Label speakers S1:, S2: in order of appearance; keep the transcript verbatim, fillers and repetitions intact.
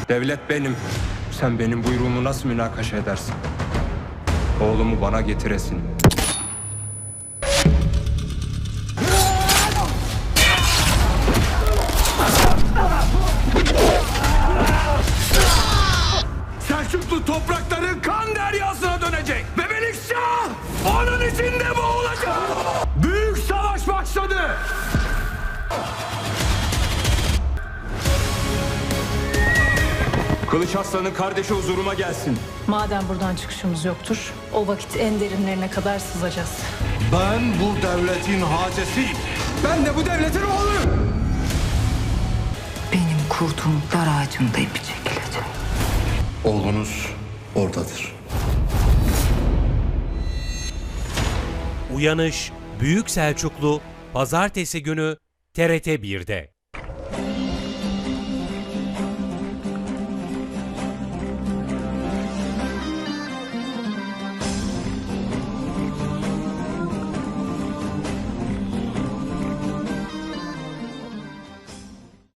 S1: Devlet benim. Sen benim buyruğumu nasıl münakaşa edersin? Oğlumu bana getiresin. Selçuklu toprakları kan deryasına dönecek. Ve Melikşah onun içinde boğulacak. Büyük savaş başladı. Kılıç Aslan'ın kardeşi huzuruma gelsin.
S2: Madem buradan çıkışımız yoktur, o vakit en derinlerine kadar sızacağız.
S3: Ben bu devletin hacesiyim.
S1: Ben de bu devletin oğluyum.
S4: Benim kurduğum dar ağacımda ipi çekilecek.
S3: Oğlunuz oradadır.
S5: Uyanış Büyük Selçuklu Pazartesi günü T R T bir'de.